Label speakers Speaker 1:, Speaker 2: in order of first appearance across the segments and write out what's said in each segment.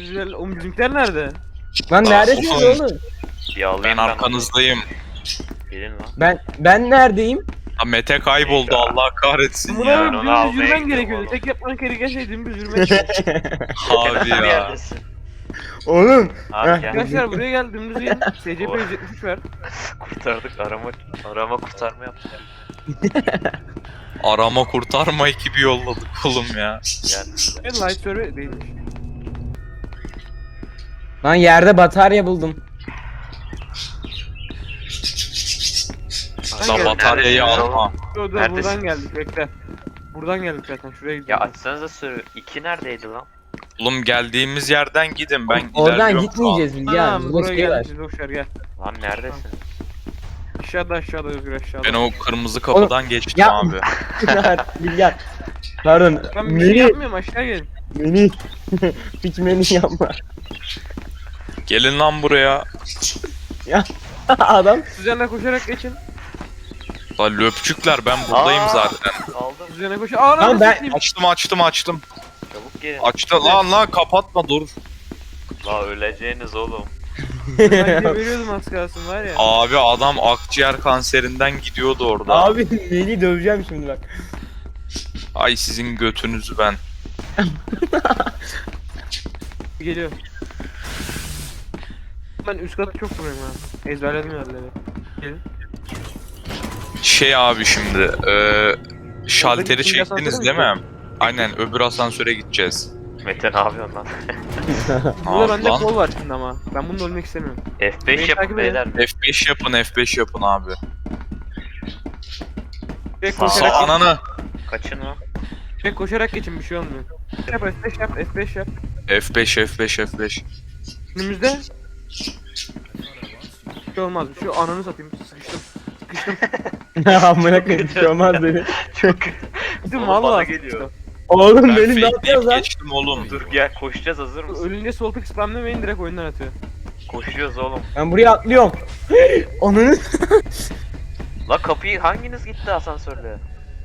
Speaker 1: Oğlum bizimkiler nerede?
Speaker 2: Lan neredesiniz
Speaker 3: oğlum.
Speaker 2: oğlum?
Speaker 4: Bir alayım
Speaker 3: Ben arkanızdayım.
Speaker 4: Gelin lan.
Speaker 2: Ben neredeyim?
Speaker 3: Ha, Mete kayboldu, Allah kahretsin
Speaker 1: Buna
Speaker 3: ya.
Speaker 1: oğlum
Speaker 4: onu
Speaker 1: dümdüz
Speaker 4: almaya
Speaker 1: yürümen
Speaker 4: gidiyorum
Speaker 1: gerekiyordu.
Speaker 4: oğlum.
Speaker 1: Tek yapman gereken şey dümdüz yürümek.
Speaker 3: Abi
Speaker 4: Bir
Speaker 3: ya.
Speaker 4: yerdesin.
Speaker 2: Oğlum.
Speaker 4: Abi
Speaker 2: Heh.
Speaker 4: gel.
Speaker 1: Arkadaşlar buraya gel dümdüz gelin. SCP 173 ver.
Speaker 4: Kurtardık arama kurtarma yaptık.
Speaker 3: Arama kurtarma ekibi yolladık oğlum ya.
Speaker 4: Gel.
Speaker 1: Evet light server değilmiş.
Speaker 2: Lan yerde batarya buldum.
Speaker 3: Da
Speaker 1: gel.
Speaker 3: bataryayı
Speaker 4: Neredesin?
Speaker 3: alma.
Speaker 1: Dur
Speaker 4: Neredesin?
Speaker 1: buradan geldik bekle. Buradan geldik zaten şuraya
Speaker 4: Ya
Speaker 1: gidiyoruz.
Speaker 4: açsanıza sürü. 2 neredeydi lan?
Speaker 3: Oğlum geldiğimiz yerden gidin, ben
Speaker 2: Oradan
Speaker 3: ilerliyorum şu an.
Speaker 2: gitmeyeceğiz Bilge
Speaker 1: Tamam
Speaker 2: abi. Burada
Speaker 1: buraya
Speaker 2: şey var.
Speaker 1: geldik biz boşver gel.
Speaker 4: Lan neredesin?
Speaker 1: Aşağıda Özgür aşağıda.
Speaker 3: Ben o kırmızı kapıdan geçtim
Speaker 2: ya-
Speaker 3: abi.
Speaker 2: Bilge abi. Pardon.
Speaker 1: Ben bir şey
Speaker 2: Meni.
Speaker 1: yapmıyorum aşağı gelin.
Speaker 2: Meni. Hiç meni yapma.
Speaker 3: Gelin lan buraya.
Speaker 2: Adam.
Speaker 1: Üzerine koşarak geçin.
Speaker 3: La löpçükler, ben buradayım
Speaker 4: Aa!
Speaker 3: zaten.
Speaker 4: Aldım.
Speaker 1: Üzerine koş. Aa
Speaker 2: Tamam, ben-
Speaker 3: Açtım.
Speaker 4: Çabuk gelin.
Speaker 3: Açtı lan kapatma dur.
Speaker 4: La öleceğiniz oğlum.
Speaker 1: Ben veriyordum az kalsın var ya.
Speaker 3: Abi adam akciğer kanserinden gidiyordu orada.
Speaker 2: Abi Meni döveceğim şimdi bak.
Speaker 3: Ay sizin götünüzü ben.
Speaker 1: Geliyor. Ben üst katı çok vuruyorum ha. Ezberledim yerleri. Gelin.
Speaker 3: Şey abi şimdi şalteri
Speaker 1: ikinci
Speaker 3: çektiniz
Speaker 1: asansöre
Speaker 3: değil
Speaker 1: mi
Speaker 3: mi? Aynen, öbür asansöre gideceğiz.
Speaker 4: Mete ne yapıyorsun lan?
Speaker 1: Burada bende
Speaker 3: lan.
Speaker 1: kol var şimdi ama. Ben bunu ölmek istemiyorum.
Speaker 4: F5
Speaker 1: Beni
Speaker 4: yapın
Speaker 1: takip
Speaker 4: beyler.
Speaker 3: F5 yapın abi.
Speaker 1: Direkt
Speaker 4: Sağ-
Speaker 1: koşarak,
Speaker 3: Ananı.
Speaker 4: Kaçın lan.
Speaker 1: direkt koşarak geçin bir şey olmuyor. Yap F5 yap F5 yap.
Speaker 3: F5.
Speaker 1: Önümüzde. Bir şey olmaz. Şu ananı satayım. Sıkıştım.
Speaker 2: Amına koyayım bir şey olmaz dedi.
Speaker 4: Çok
Speaker 1: Gittim
Speaker 4: Oğlum bana
Speaker 1: valla.
Speaker 4: geliyor.
Speaker 2: Oğlum
Speaker 3: Ben
Speaker 2: benim ne
Speaker 3: fake
Speaker 2: yapıyorsun lan?
Speaker 3: geçtim oğlum.
Speaker 4: Dur gel koşacağız, hazır mısın?
Speaker 1: Ölünce sol tık spamlamayın direkt oyundan atıyor.
Speaker 4: Koşuyoruz oğlum.
Speaker 2: Ben buraya atlıyorum. Onun.
Speaker 4: La kapıyı hanginiz gitti asansörle?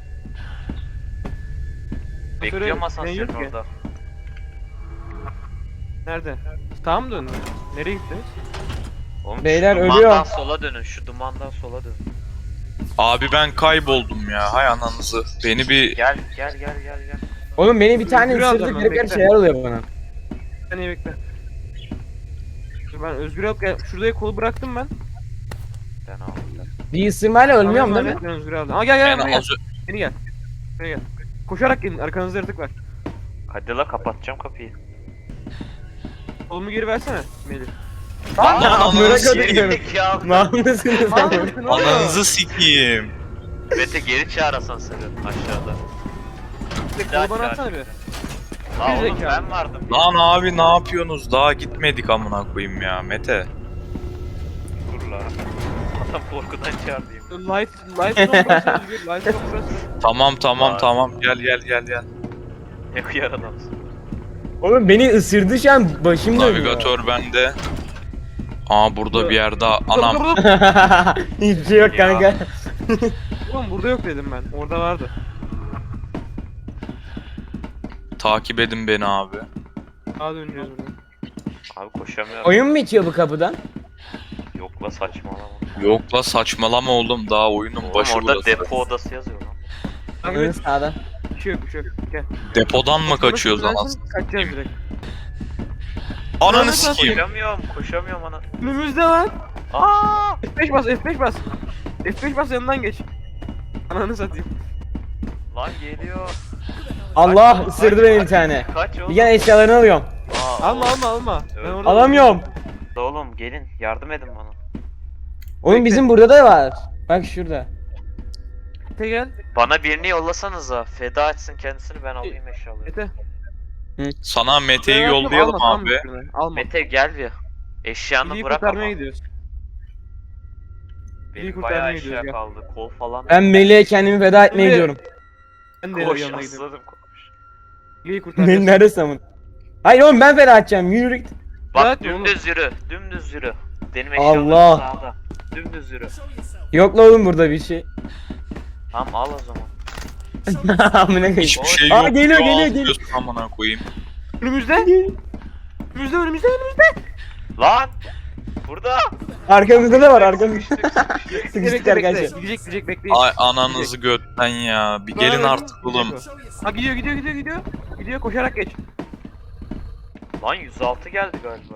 Speaker 4: Bekliyorum asansörün
Speaker 1: yok ki.
Speaker 4: orada.
Speaker 1: Nerede? Tamam mı döndün? Nereye gittiniz?
Speaker 4: Oğlum
Speaker 2: Beyler,
Speaker 4: şu dumandan
Speaker 2: ölüyor.
Speaker 4: sola dönün, şu dumandan sola dönün.
Speaker 3: Abi ben kayboldum ya, hay ananızı. Beni bir
Speaker 4: Gel.
Speaker 2: Oğlum beni bir tane
Speaker 1: Yürü
Speaker 2: ısırdı
Speaker 1: adamım,
Speaker 2: garip garip
Speaker 1: bekle.
Speaker 2: şeyler oluyor bana.
Speaker 1: Bir saniye bekle. Dur ben Özgür'e alıp gel. Şuraya kolu bıraktım ben.
Speaker 4: Ben aldım.
Speaker 2: Bir ısırmayla ölmüyorum
Speaker 1: Tamam,
Speaker 2: değil mi?
Speaker 1: Ben Özgür'e aldım. Aa gel
Speaker 3: en
Speaker 1: buraya gel.
Speaker 3: az
Speaker 1: Beni gel. Buraya gel. Koşarak gelin arkanızda yaratık var.
Speaker 4: Hadi la kapatacağım kapıyı.
Speaker 1: Kolumu geri versene Melih.
Speaker 3: Lan
Speaker 2: Amına
Speaker 3: ananızı
Speaker 2: koyayım.
Speaker 4: Geri ya.
Speaker 2: Mahmut'sunuz
Speaker 1: Aa,
Speaker 2: ama.
Speaker 1: mısın oğlum?
Speaker 3: Ananızı sikeyim.
Speaker 4: Mete geri çağır asansörü aşağıda.
Speaker 1: Bir
Speaker 4: daha
Speaker 1: kolu bana
Speaker 4: çağır.
Speaker 1: atsana bir.
Speaker 4: La
Speaker 1: Bir
Speaker 4: oğlum
Speaker 1: zekalı.
Speaker 4: ben vardım.
Speaker 3: Lan abi ne yapıyorsunuz? Daha gitmedik amına koyayım ya Mete.
Speaker 4: Dur la. Adam korkudan çağırdıyım.
Speaker 1: Light zone burası Özgür. Light zone burası.
Speaker 3: Tamam gel.
Speaker 4: Ne kıyar adamsın.
Speaker 2: Oğlum beni ısırdı şu an başım dönüyor.
Speaker 3: Navigatör bende. Aa burada bir yerde anam.
Speaker 1: Dur.
Speaker 2: Hiçbir şey yok
Speaker 4: Ya.
Speaker 2: kanka.
Speaker 1: Oğlum burada yok dedim ben. Orada vardı.
Speaker 3: Takip edin beni abi.
Speaker 1: Sağa döneceğiz buradan.
Speaker 4: Abi koşamıyorum.
Speaker 2: Oyun mu bitiyor bu kapıdan?
Speaker 4: Yok la saçmalama.
Speaker 3: Yok la saçmalama oğlum, daha oyunun
Speaker 4: Oğlum
Speaker 3: başı
Speaker 4: orada
Speaker 3: burası.
Speaker 4: depo odası yazıyor lan.
Speaker 1: Takip
Speaker 2: Oyun
Speaker 1: et.
Speaker 2: sağda.
Speaker 1: Bir şey yok. Gel.
Speaker 3: Depodan mı
Speaker 1: Sonra
Speaker 3: kaçıyoruz
Speaker 1: sürülersin,
Speaker 3: anasını?
Speaker 1: Kaçacağız direkt.
Speaker 3: Ananı
Speaker 1: Nasıl
Speaker 3: sikeyim.
Speaker 4: Koşamıyorum ana.
Speaker 1: Önümüzde lan.
Speaker 4: Aa!
Speaker 1: F5 bas F5 bas. F5 bas yanından geç. Ananı satayım.
Speaker 4: Lan geliyor.
Speaker 2: Allah
Speaker 4: Kaç,
Speaker 2: ısırdı
Speaker 4: kaç,
Speaker 2: beni bir
Speaker 4: kaç,
Speaker 2: tane.
Speaker 4: Kaç oğlum.
Speaker 2: Bir gel eşyalarını alıyorum.
Speaker 4: Aa,
Speaker 1: Alma. Ben
Speaker 4: Evet.
Speaker 1: orada
Speaker 2: Alamıyorum.
Speaker 4: Oğlum gelin yardım edin bana.
Speaker 2: Oğlum
Speaker 1: Bekle.
Speaker 2: bizim burada da var. Bak şurada.
Speaker 1: Mete gel.
Speaker 4: Bana birini yollasanıza. Feda etsin kendisini, ben alayım eşyaları.
Speaker 1: Mete.
Speaker 3: Sana Mete'yi
Speaker 1: Alma,
Speaker 3: yollayalım
Speaker 1: tamam mı
Speaker 3: abi.
Speaker 1: şunu? Alma.
Speaker 4: Mete gel bir. Eşyanı
Speaker 1: Bilgiyi
Speaker 4: bırak ama.
Speaker 1: kurtarmaya gidiyoruz. Bilgiyi
Speaker 4: Benim
Speaker 1: kurtarmaya
Speaker 4: bayağı
Speaker 1: gidiyoruz,
Speaker 4: eşya
Speaker 1: gel.
Speaker 4: kaldı. Kol falan.
Speaker 2: Ben Melih'e kendimi feda etmeye
Speaker 1: Melih.
Speaker 2: gidiyorum.
Speaker 1: Ben de
Speaker 4: Koş
Speaker 1: yanına gidiyorum.
Speaker 4: asladım koş.
Speaker 1: Bilgiyi
Speaker 2: Melih
Speaker 1: kurtaracağız.
Speaker 2: neredesin amın? Hayır oğlum ben feda edeceğim. Yürü git.
Speaker 4: Bak
Speaker 1: Evet,
Speaker 4: dümdüz yürü. Dümdüz yürü. Benim eşyalarım
Speaker 2: Allah.
Speaker 4: sağda. Dümdüz yürü.
Speaker 2: Yok la oğlum burada bir şey.
Speaker 4: Tamam al o zaman.
Speaker 2: Amına koyayım.
Speaker 3: Hiçbir şey
Speaker 2: Aa,
Speaker 3: yok.
Speaker 2: geliyor,
Speaker 3: Ya,
Speaker 2: geliyor.
Speaker 3: alıyorsun amına koyayım.
Speaker 1: Önümüzde. Önümüzde.
Speaker 4: Lan! Burada!
Speaker 2: Arkamızda da var arkamızda.
Speaker 4: Sıkıştık.
Speaker 2: Sıkıştık arkadaşlar.
Speaker 1: Gidecek bekleyin.
Speaker 3: Ay ananızı götten ya. Bir gelin artık oğlum.
Speaker 1: Ha gidiyor. Gidiyor koşarak geç.
Speaker 4: Lan 106 geldi galiba.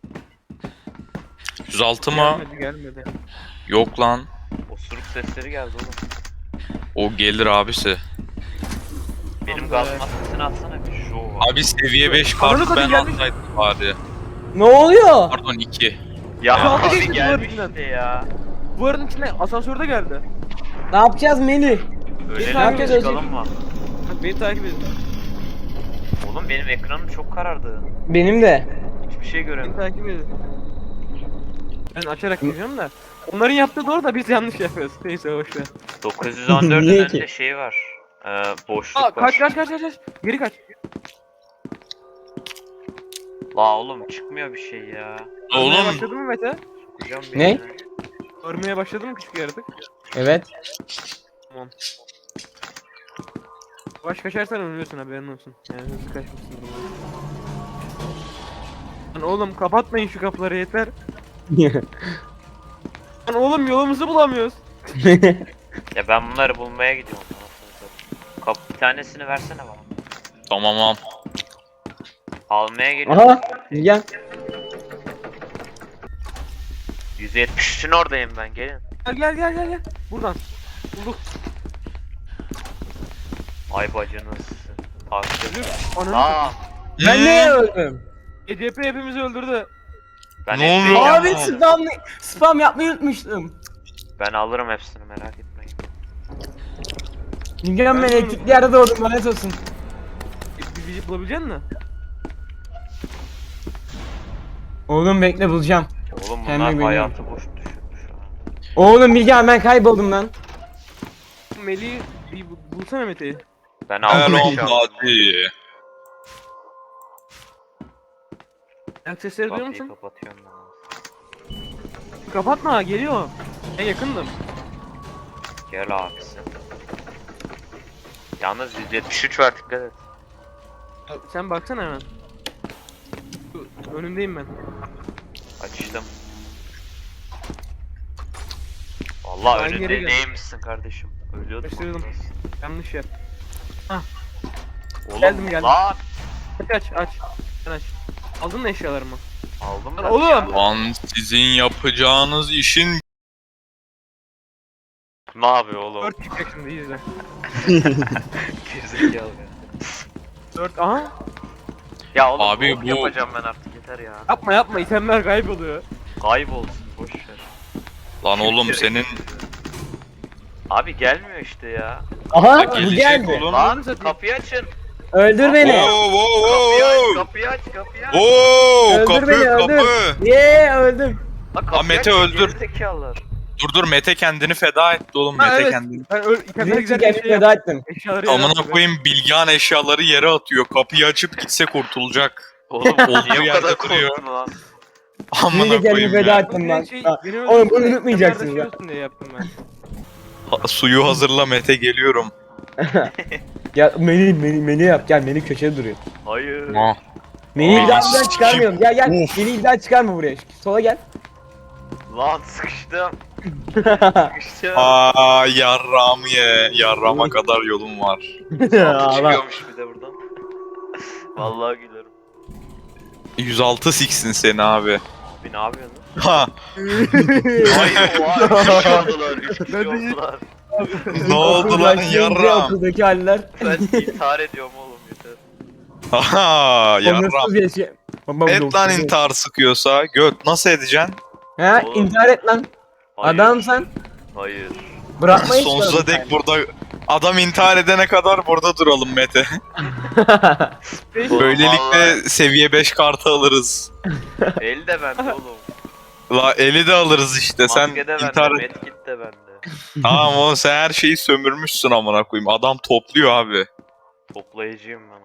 Speaker 3: 106 mı?
Speaker 1: Gelmedi.
Speaker 3: Yok lan.
Speaker 4: Osuruk sesleri geldi oğlum.
Speaker 3: O gelir abisi.
Speaker 4: Benim
Speaker 1: Tamam
Speaker 4: gaz
Speaker 1: be.
Speaker 4: maskesini atsana bir show var.
Speaker 3: Abi seviye 5
Speaker 1: Ananı
Speaker 3: kartı ben
Speaker 1: satayım, gelmiş.
Speaker 3: alsaydım bari.
Speaker 2: Ne oluyor?
Speaker 3: Pardon 2.
Speaker 4: Ya
Speaker 1: Aldı
Speaker 4: abi
Speaker 1: geçti
Speaker 4: gelmiş
Speaker 1: duvarın
Speaker 4: işte ya.
Speaker 1: Duvarın içine asansörde geldi.
Speaker 2: Ne yapacağız Melih?
Speaker 4: Öyle
Speaker 1: Ne yapacağız
Speaker 4: çıkalım mı?
Speaker 1: Bak beni takip edin.
Speaker 4: Oğlum benim ekranım çok karardı.
Speaker 2: Benim de.
Speaker 4: Hiçbir şey
Speaker 1: Beni
Speaker 4: göremiyorum.
Speaker 1: takip edin. Ben açarak gidiyorum da. Onların yaptığı doğru da biz yanlış yapıyoruz. Neyse boşver.
Speaker 4: 914'ün
Speaker 2: Niye
Speaker 4: önünde
Speaker 2: ki?
Speaker 4: şey var. Boşluk
Speaker 1: Aa
Speaker 4: var.
Speaker 1: kaç. Geri kaç.
Speaker 4: La oğlum çıkmıyor bir şey ya.
Speaker 1: Görmeye
Speaker 3: Oğlum
Speaker 1: başladı mı Mete?
Speaker 4: Sokacağım
Speaker 2: Ne?
Speaker 4: beynine.
Speaker 1: Görmeye başladı mı küçük yaratık?
Speaker 2: Evet.
Speaker 1: Tamam. Yavaş kaçarsan ölüyorsun haberin olsun. Yani hızlı kaçmışsın. Lan oğlum kapatmayın şu kapıları yeter. Lan oğlum yolumuzu bulamıyoruz.
Speaker 4: Ya ben bunları bulmaya gidiyorum. Bir tanesini versene bana.
Speaker 3: tamam.
Speaker 4: Almaya geliyorum.
Speaker 2: Aha. Gel.
Speaker 4: 173'ün oradayım ben gelin.
Speaker 1: Gel. Buradan. Bulduk.
Speaker 4: Ay bacınız. Takip.
Speaker 1: Ananı
Speaker 4: Aa,
Speaker 2: Ben neye öldüm?
Speaker 1: ECP hepimizi öldürdü.
Speaker 4: ben
Speaker 3: Ne
Speaker 4: hepsini
Speaker 3: oluyor?
Speaker 2: Abi
Speaker 4: yapmam.
Speaker 2: spam yapmayı unutmuştum.
Speaker 4: Ben alırım hepsini merak etmeyin.
Speaker 2: Bilmiyorum ben elektrikli yerde doğdum lanet olsun.
Speaker 1: Bizi bulabilecek misin?
Speaker 2: Oğlum bekle bulacağım.
Speaker 4: Oğlum
Speaker 2: Kendime
Speaker 4: bunlar
Speaker 2: güveniyorum.
Speaker 4: hayatı boş düşürmüş şu an.
Speaker 2: Oğlum Bilgehan ben kayboldum lan.
Speaker 1: Melih'i bir bulsana Mete'yi.
Speaker 4: Ben aldım
Speaker 3: Hello
Speaker 4: eşyalarımı.
Speaker 3: buddy.
Speaker 1: Ayak sesleri duyuyor
Speaker 4: Kapıyı
Speaker 1: musun?
Speaker 4: kapatıyorum ben.
Speaker 1: Kapatma geliyor. Ben yakındım.
Speaker 4: Gel abisi. Yalnız 173 var dikkat et.
Speaker 1: Sen baksana hemen. Önündeyim ben.
Speaker 4: Açtım. Vallahi
Speaker 1: Ben geri
Speaker 4: önünde
Speaker 1: gel.
Speaker 4: neymişsin kardeşim? Ölüyordum.
Speaker 1: Kaçırdım. Yanlış yer.
Speaker 4: Oğlum
Speaker 1: Geldim, geldim.
Speaker 4: lan
Speaker 1: Aç. Sen aç. Aldın mı eşyalarımı?
Speaker 4: aldım
Speaker 1: Lan
Speaker 4: ben.
Speaker 1: oğlum!
Speaker 4: ya.
Speaker 3: Lan sizin yapacağınız işin
Speaker 4: Ne yapıyor oğlum?
Speaker 1: 4 çıkacak şimdi izle.
Speaker 4: Gerizekalı ya.
Speaker 1: 4 aha.
Speaker 4: Ya oğlum
Speaker 3: Abi
Speaker 4: bu
Speaker 3: bu-
Speaker 4: yapacağım ben artık yeter ya.
Speaker 1: Yapma itemler kayboluyor.
Speaker 4: Kaybolsun boş ver.
Speaker 3: lan oğlum senin
Speaker 4: Abi gelmiyor işte ya.
Speaker 2: Aha
Speaker 3: Ha,
Speaker 2: bu
Speaker 3: gelecek
Speaker 2: geldi.
Speaker 3: oğlum.
Speaker 4: Lan
Speaker 1: satayım.
Speaker 4: kapıyı açın.
Speaker 2: Öldür beni.
Speaker 4: Kapıyı aç, kapıyı aç, kapıyı aç.
Speaker 2: Öldür
Speaker 3: Kapı
Speaker 2: beni öldür.
Speaker 3: kapı.
Speaker 2: Yee öldüm.
Speaker 4: Lan kapıyı
Speaker 3: Mete
Speaker 4: açın,
Speaker 3: öldür.
Speaker 4: gerizekalılar.
Speaker 3: Dur Mete kendini feda etti oğlum
Speaker 1: Ha,
Speaker 3: Mete
Speaker 1: evet.
Speaker 3: kendini.
Speaker 1: Ben itemler
Speaker 2: Büyük
Speaker 1: güzel
Speaker 2: kendimi
Speaker 1: bir şey
Speaker 2: feda
Speaker 1: yap.
Speaker 2: ettim.
Speaker 1: Eşyaları yere
Speaker 3: Amına
Speaker 1: atıyor.
Speaker 3: koyayım Bilgehan eşyaları yere atıyor. Kapıyı açıp gitse kurtulacak.
Speaker 4: Oğlum
Speaker 3: Olduğu
Speaker 4: niye bu
Speaker 3: yerde
Speaker 4: kadar
Speaker 3: duruyor.
Speaker 4: korktun lan?
Speaker 3: Amına
Speaker 2: Büyük kendimi
Speaker 3: koyayım
Speaker 2: feda
Speaker 3: ya.
Speaker 2: ettim lan.
Speaker 1: Şey,
Speaker 2: Ha,
Speaker 1: beni
Speaker 2: Oğlum bunu
Speaker 1: öldürsene,
Speaker 2: unutmayacaksınız
Speaker 1: itemler
Speaker 2: ya.
Speaker 1: taşıyorsun diye yaptım ben.
Speaker 3: Suyu hazırla Mete geliyorum.
Speaker 2: Ya Melih yap gel Melih köşede duruyor.
Speaker 4: Hayır.
Speaker 3: Ah.
Speaker 2: Melih'i
Speaker 3: Aa,
Speaker 2: bir daha
Speaker 3: sikim.
Speaker 2: çıkarmıyorum. Gel
Speaker 3: Of.
Speaker 2: Melih'i bir daha çıkarma buraya. Sola gel.
Speaker 4: Lan sıkıştım. Sıkıştım.
Speaker 3: Aa yarrağımı ye. Yarrağıma kadar yolum var.
Speaker 2: Ağla.
Speaker 4: Çıkıyormuş bir de buradan. Vallahi gülerim.
Speaker 3: 106 siksin seni abi.
Speaker 4: Bir ne yapıyorsun?
Speaker 3: Ha
Speaker 4: Hayır oha 3 kişi oldular 3 kişi
Speaker 1: Ben de-
Speaker 4: oldular.
Speaker 3: ne oldu lan
Speaker 2: Okuldaki
Speaker 3: yarrağım?
Speaker 2: Okuldaki haller.
Speaker 4: Ben intihar ediyorum oğlum yeter.
Speaker 3: Aha yarrağım.
Speaker 2: Onursuz yaşa. Baba, bu
Speaker 3: Et lan
Speaker 2: onursuz
Speaker 3: intihar sıkıyorsa. Göt nasıl edeceksin?
Speaker 2: Ha
Speaker 4: Oğlum.
Speaker 2: intihar et lan.
Speaker 4: Hayır.
Speaker 2: Adamsan
Speaker 4: Hayır.
Speaker 2: bırakma hiç.
Speaker 3: Sonsuza dek burada adam intihar edene kadar burada duralım Mete.
Speaker 4: Oğlum,
Speaker 3: Böylelikle
Speaker 4: vallahi
Speaker 3: seviye 5 kartı alırız.
Speaker 4: el de bende oğlum.
Speaker 3: La eli de alırız işte. Sen
Speaker 4: Maske de bende,
Speaker 3: intihar et.
Speaker 4: medkit de bende.
Speaker 3: Tamam oğlum sen her şeyi sömürmüşsün amına koyayım. Adam topluyor abi.
Speaker 4: Toplayıcıyım ben.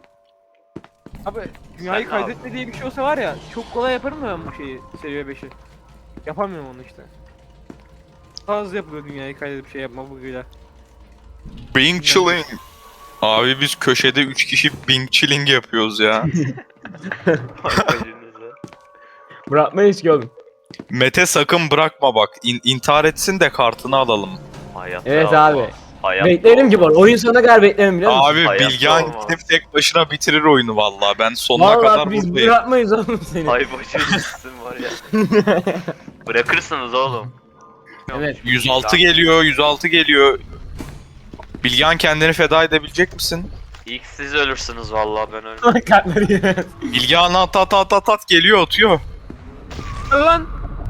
Speaker 1: Abi dünyayı
Speaker 4: Sen ne
Speaker 1: kaydetme diye bir şey olsa var ya çok kolay yaparım da ben bu şeyi seviye 5'i. Yapamıyorum onu işte. Daha hızlı yapılıyor dünyayı kaydedip şey yapma bugüyle.
Speaker 3: Bing chilling. Abi biz köşede 3 kişi Bing chilling yapıyoruz ya.
Speaker 4: Bagajınızı.
Speaker 2: Bırakmayız ki oğlum.
Speaker 3: Mete sakın bırakma bak. İntihar etsin de kartını alalım.
Speaker 4: Hayatta
Speaker 2: Evet
Speaker 4: olmaz.
Speaker 2: abi.
Speaker 4: Hayatta
Speaker 2: Beklerim ki bu
Speaker 4: olmaz.
Speaker 2: arada. Oyun sonuna kadar beklerim biliyor musun?
Speaker 3: Abi
Speaker 4: Hayatta
Speaker 3: Bilgehan
Speaker 4: olmaz.
Speaker 3: gidip tek başına bitirir oyunu vallahi. Ben sonuna
Speaker 2: Vallahi
Speaker 3: kadar
Speaker 2: biz
Speaker 3: buradayım.
Speaker 2: bırakmayız oğlum seni.
Speaker 4: Ay bacınızsın var ya. Bırakırsınız oğlum.
Speaker 2: Evet.
Speaker 3: 106 geliyor, 106 geliyor. Bilgehan kendini feda edebilecek misin?
Speaker 4: İlk siz ölürsünüz vallahi ben ölmem.
Speaker 2: Kartları yemez.
Speaker 3: Bilgehan at geliyor atıyor.
Speaker 1: Lan.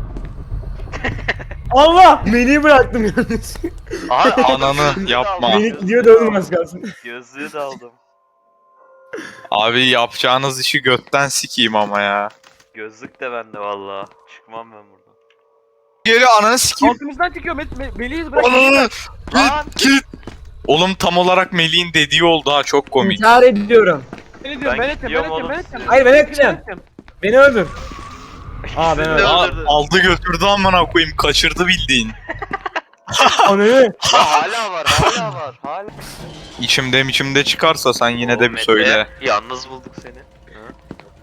Speaker 2: Allah! Melih'i bıraktım yalnız.
Speaker 4: Abi
Speaker 3: Ananı
Speaker 4: gözlüğü de
Speaker 3: yapma.
Speaker 4: aldım,
Speaker 2: Melih
Speaker 4: gözlüğü
Speaker 2: gidiyor
Speaker 4: de
Speaker 2: da oğlum
Speaker 4: aldım.
Speaker 2: az kalsın.
Speaker 4: Gözlüğü de aldım.
Speaker 3: Abi yapacağınız işi götten sikeyim ama ya.
Speaker 4: Gözlük de bende vallahi. Çıkmam ben buradan.
Speaker 3: Geliyor ananı sikeyim.
Speaker 1: Altımızdan çıkıyor. Melih'iz bırak.
Speaker 3: Ananı
Speaker 4: Lan!
Speaker 3: git. Oğlum tam olarak Melih'in dediği oldu ha, çok komik.
Speaker 2: İntihar ediyorum.
Speaker 1: Beni diyorum ben edeceğim
Speaker 4: gidiyorum oğlum size.
Speaker 2: Hayır ben etmeyeceğim. Beni öldür. Aa ben
Speaker 4: İkisini de
Speaker 2: öldüm.
Speaker 4: öldürdü.
Speaker 3: Aldı götürdü amına koyayım, kaçırdı bildiğin.
Speaker 2: Ananı.
Speaker 4: Ya hala var, hala var, hala.
Speaker 3: İçimde çıkarsa sen yine de
Speaker 4: Oğlum
Speaker 3: bir
Speaker 4: Mete,
Speaker 3: söyle.
Speaker 4: Yalnız bulduk seni. Hı?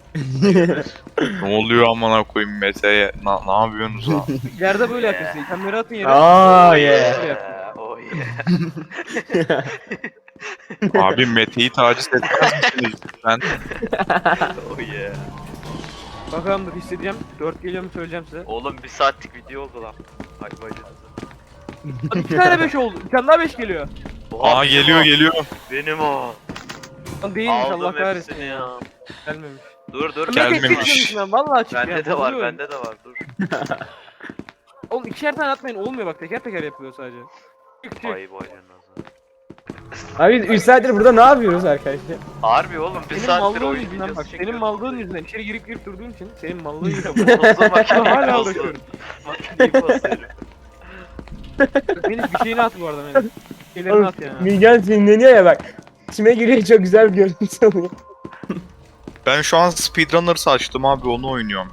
Speaker 3: Ne oluyor amına koyayım Mete'ye? Ne yapıyorsunuz ha?
Speaker 1: Yerde böyle yapıyorsun. İtemleri atın yere.
Speaker 2: Aa
Speaker 1: Böyle
Speaker 2: yeah.
Speaker 1: yapın.
Speaker 4: Oh yeah.
Speaker 3: Abi Mete'yi taciz etmez misiniz lütfen?
Speaker 4: Oh yeah.
Speaker 1: Bakalım dur hissedeceğim. 4 geliyor mu söyleyeceğim size.
Speaker 4: Oğlum 1 saatlik video oldu lan. Ay bacınızı.
Speaker 1: Hadi 2 tane 5 oldu. Bir tane daha 5 geliyor.
Speaker 4: Oha,
Speaker 3: Aa
Speaker 4: benim
Speaker 3: geliyor
Speaker 4: o.
Speaker 3: geliyor.
Speaker 4: Benim o.
Speaker 1: Lan değilmiş Allah
Speaker 4: Aldım
Speaker 1: kahretsin
Speaker 4: hepsini
Speaker 1: ya.
Speaker 4: ya.
Speaker 1: Gelmemiş.
Speaker 4: Dur.
Speaker 3: Gelmemiş.
Speaker 1: Ben vallahi çıktı
Speaker 4: Bende
Speaker 1: ya.
Speaker 4: de var,
Speaker 1: bozuluyorum.
Speaker 4: bende de var. Dur.
Speaker 1: Oğlum 2'er tane atmayın olmuyor bak teker teker yapılıyor sadece. Çık.
Speaker 4: Ay bacınızı.
Speaker 2: Abi 3 saattir burada ne yapıyoruz arkadaşlar?
Speaker 4: Harbi oğlum 1
Speaker 1: Senin
Speaker 4: saattir
Speaker 1: mallığın
Speaker 4: oyun
Speaker 1: yüzünden
Speaker 4: videosu
Speaker 1: bak. Senin
Speaker 4: çekiyoruz.
Speaker 1: mallığın yüzünden içeri girip durduğun için senin mallığın yüzünden.
Speaker 4: Bozdu makineyi
Speaker 1: Hala
Speaker 4: bozdu.
Speaker 1: uğraşıyorum.
Speaker 4: Makineyi bozuyorum.
Speaker 1: Benim bir şeyini at bu arada benim. Bir şeylerini
Speaker 2: Oğlum
Speaker 1: at ya.
Speaker 2: Bilgehan sinirleniyor ya bak. İçime giriyor çok güzel bir görüntü oluyor.
Speaker 3: Ben şu an Speedrunners açtım abi, onu oynuyorum.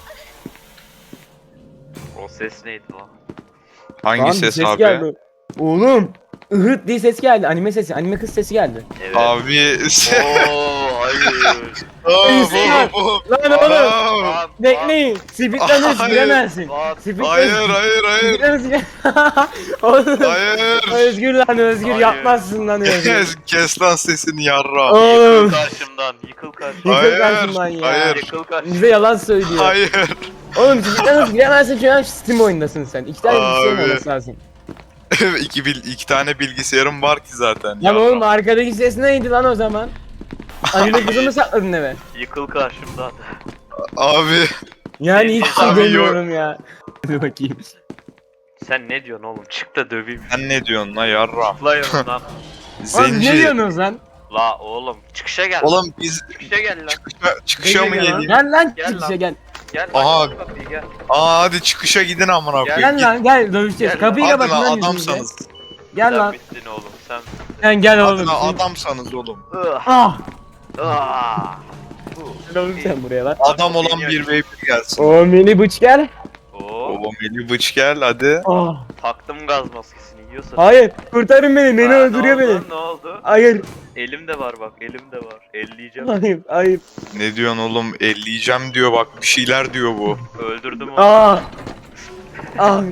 Speaker 4: O ses neydi lan?
Speaker 3: Hangi
Speaker 2: Lan bir
Speaker 3: ses abi?
Speaker 2: geldi. Oğlum. Ihıt diye ses geldi. Anime sesi. Anime kız sesi geldi.
Speaker 4: Evet.
Speaker 3: Abi
Speaker 4: Oo hayır.
Speaker 2: Lan oğlum.
Speaker 4: Lan,
Speaker 2: Bekleyin. Speedrunners
Speaker 3: Hayır.
Speaker 2: giremezsin.
Speaker 4: lan.
Speaker 3: Hayır
Speaker 2: Speedrunners Oğlum.
Speaker 3: hayır.
Speaker 2: Özgür lan Özgür
Speaker 4: Hayır.
Speaker 2: yapmazsın lan Özgür.
Speaker 3: Kes lan sesini yarra.
Speaker 4: Yıkıl
Speaker 2: Oğlum.
Speaker 4: karşımdan, yıkıl karşımdan.
Speaker 3: Hayır,
Speaker 2: Yıkıl karşımdan ya.
Speaker 3: hayır.
Speaker 4: Yıkıl karşımdan.
Speaker 2: Bize yalan söylüyor.
Speaker 3: Hayır.
Speaker 2: Oğlum Speedrunners giremezsin şu an Steam oyundasın sen. 2 tane bilgisayarın
Speaker 3: Abi.
Speaker 2: olması lazım.
Speaker 3: iki tane bilgisayarım var ki zaten.
Speaker 2: Lan
Speaker 3: yarra.
Speaker 2: oğlum arkadaki ses neydi lan o zaman? Anime kızı mı sakladın eve?
Speaker 4: Yıkıl karşımdan.
Speaker 3: Abi.
Speaker 2: Yani hiç şey
Speaker 3: Abi yok.
Speaker 2: demiyorum ya. Hadi bakayım.
Speaker 4: Sen ne diyorsun oğlum? Çık da döveyim.
Speaker 3: Sen ne diyorsun la yarra?
Speaker 4: La yanından.
Speaker 2: Oğlum ne
Speaker 3: Zenci.
Speaker 2: diyorsunuz lan?
Speaker 4: La oğlum çıkışa gel.
Speaker 3: Oğlum biz
Speaker 4: Çıkışa gel lan.
Speaker 3: çıkışa mı
Speaker 1: Ne diyor lan?
Speaker 3: geleyim?
Speaker 2: Gel lan
Speaker 4: Gel
Speaker 2: çıkışa
Speaker 4: lan.
Speaker 2: gel.
Speaker 4: Gel
Speaker 3: Aha.
Speaker 4: lan kapıyı gel.
Speaker 3: Aa hadi çıkışa gidin amına
Speaker 4: Gel.
Speaker 3: koyayım.
Speaker 2: Gel lan gel dövüşeceğiz.
Speaker 4: Gel
Speaker 2: Kapıyı
Speaker 3: Hadi
Speaker 2: kapatın
Speaker 3: lan
Speaker 2: lan yüzümüze.
Speaker 3: adamsanız.
Speaker 2: Gel
Speaker 4: Sen
Speaker 2: lan.
Speaker 4: bittin oğlum sen.
Speaker 2: Sen gel
Speaker 3: Hadi
Speaker 2: oğlum.
Speaker 3: lan adamsanız oğlum.
Speaker 4: Ugh.
Speaker 2: Ah.
Speaker 4: Ah.
Speaker 2: Gel oğlum sen buraya lan.
Speaker 3: Adam olan bir v 1 gelsin.
Speaker 2: O mini bıç gel.
Speaker 4: Oo.
Speaker 3: Baba Melih bıç gel hadi.
Speaker 2: Ah.
Speaker 4: Taktım gaz maskesini yiyorsa.
Speaker 2: Hayır kurtarın beni. Beni
Speaker 4: Aa,
Speaker 2: öldürüyor
Speaker 4: ne
Speaker 2: beni.
Speaker 4: oldu, ne oldu?
Speaker 2: Hayır.
Speaker 4: Elimde var bak elimde var. Elleyeceğim.
Speaker 2: Hayır. Hayır.
Speaker 3: Ne diyorsun oğlum? Elleyeceğim diyor bak, bir şeyler diyor bu.
Speaker 4: Öldürdüm onu.
Speaker 2: Ah. Ah.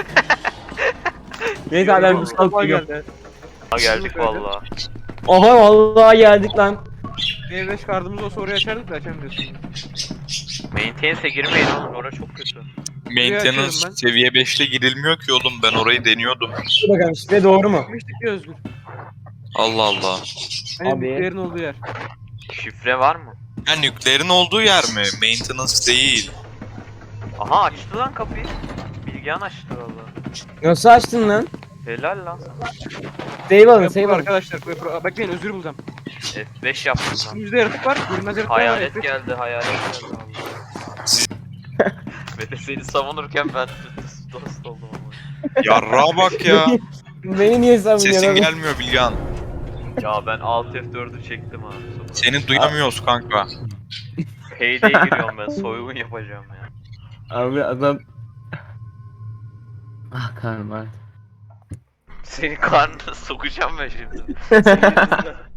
Speaker 2: Neyse abi ben bu
Speaker 1: Sabah
Speaker 2: sağlık
Speaker 1: geldi.
Speaker 4: Ha, geldik valla.
Speaker 2: Aha vallahi geldik lan.
Speaker 1: B5 kartımızı o soruyu açardık da açamıyorsun.
Speaker 4: Maintenance'e girmeyin oğlum orası çok kötü.
Speaker 3: Maintenance
Speaker 1: açıyorum ben.
Speaker 3: seviye 5'te girilmiyor ki oğlum, ben orayı deniyordum.
Speaker 2: Dur bakalım şifre doğru mu?
Speaker 1: Gitmiştik ya Özgür.
Speaker 3: Allah Allah.
Speaker 1: Hani
Speaker 2: Abi.
Speaker 1: büyüklerin olduğu yer.
Speaker 4: Şifre var mı?
Speaker 3: Ha nükleerin olduğu yer mi? Maintenance değil.
Speaker 4: Aha açtı lan kapıyı. Bilgehan açtı valla.
Speaker 2: Nasıl açtın lan?
Speaker 4: Helal lan sana.
Speaker 2: Save alın
Speaker 1: Yapı
Speaker 2: save alın.
Speaker 1: arkadaşlar. Bekleyin Özgür bulacağım.
Speaker 4: F5 yaptım lan.
Speaker 1: Yüzde yaratık var. Görünmez yaratık var.
Speaker 4: Hayalet
Speaker 1: F5.
Speaker 4: geldi hayalet geldi valla. Ve de seni savunurken ben dost oldum ama.
Speaker 3: Yarrağa bak ya.
Speaker 2: Beni niye savunuyorsun?
Speaker 3: Sesin
Speaker 2: oğlum?
Speaker 3: gelmiyor Bilgehan.
Speaker 4: Ya ben Alt F4'ü çektim abi.
Speaker 3: Seni duyamıyoruz kanka.
Speaker 4: Payday'e giriyorum ben soygun yapacağım ya.
Speaker 2: Abi adam... Ah karnım ağrıdı.
Speaker 4: Senin karnına sokacağım ben şimdi. Senin yüzünden.